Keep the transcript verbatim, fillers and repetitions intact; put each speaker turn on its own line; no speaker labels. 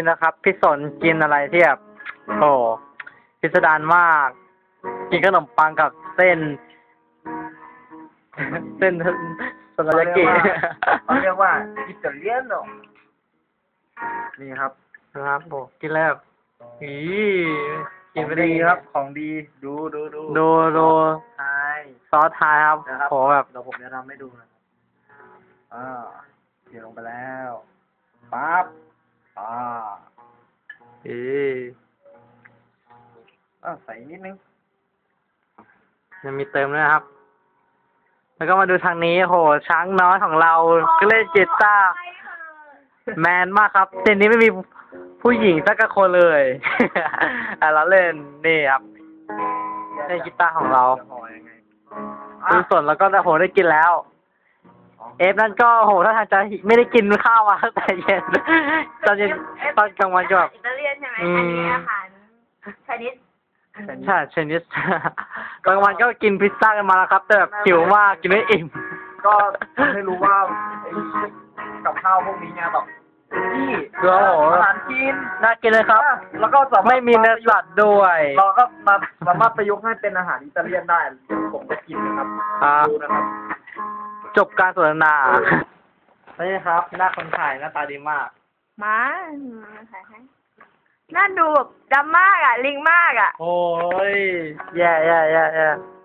นี่นะครับพี่สนกินอะไรที่แบบโอ้พิสดารมาก กินขนมปังกับเส้น เส้นสลายากิ
เขาเรียกว่าอิตาเลียนโนนี่ครับ
นะครับโอ้กินแล้วอีกินไปได้
ดี
ไง
ครับของดีดูดูดู
ดูดู
ใช่
ซอสไทยครับ
นะครับ
โหแบบ
เดี๋ยวผมจะทำให้ดูนะครับอ่าเทลงไปแล้วปั๊บอ่า
อี
อ่าใส่นิดนึง
ยังมีเติมด้วยนะครับ แล้วก็มาดูทางนี้โหช้างน้อยของเราก็เล่นกีตาร์แมนมากครับเส้นนี้ไม่มีผู้หญิงสักคนเลย อ่ะเราเล่นนี่ครับเล่นกีตาร์ของเรา
จะห่อยังไง
ดูสนแล้วก็โหได้กินแล้ว เอฟนั่นก็โหถ้าทางจะไม่ได้กินข้าวมาตั้งแต่เย็น ตอนเย็นตอนกลางวันก็แบบ
อิตาเลียนใช่ไหม
อื
อัน
ม
นี้อาหารชนิด
ใช่ชนิด กลางวันก็กินพิซซ่ากันมาแล้วครับ แต่แบบหิวมากกินไม่อิ่ม
ก็ทำให้รู้ว่าไอ้กับข้าวพวกนี้เนี่ยแบบที่
โอ้โห
อาหารจีน
น่ากินเลยครับ
แล้วก็สามารถ
ไม่มีเนื้อสัตว์ด้วย
เราก็มาสามารถประยุกต์ให้เป็นอาหารอิตาเลียนได้เดี๋ยวผมจะกินนะครับ
อ่า
ดูนะครับ
จบการสนทนา นี่ครับ หน้าคนถ่ายหน้าตาดีมาก
มามาถ่ายให้น่าดูแบบดำมากอ่ะ ลิงมากอ่ะ
โอ้ย แย่แย่แย่แย่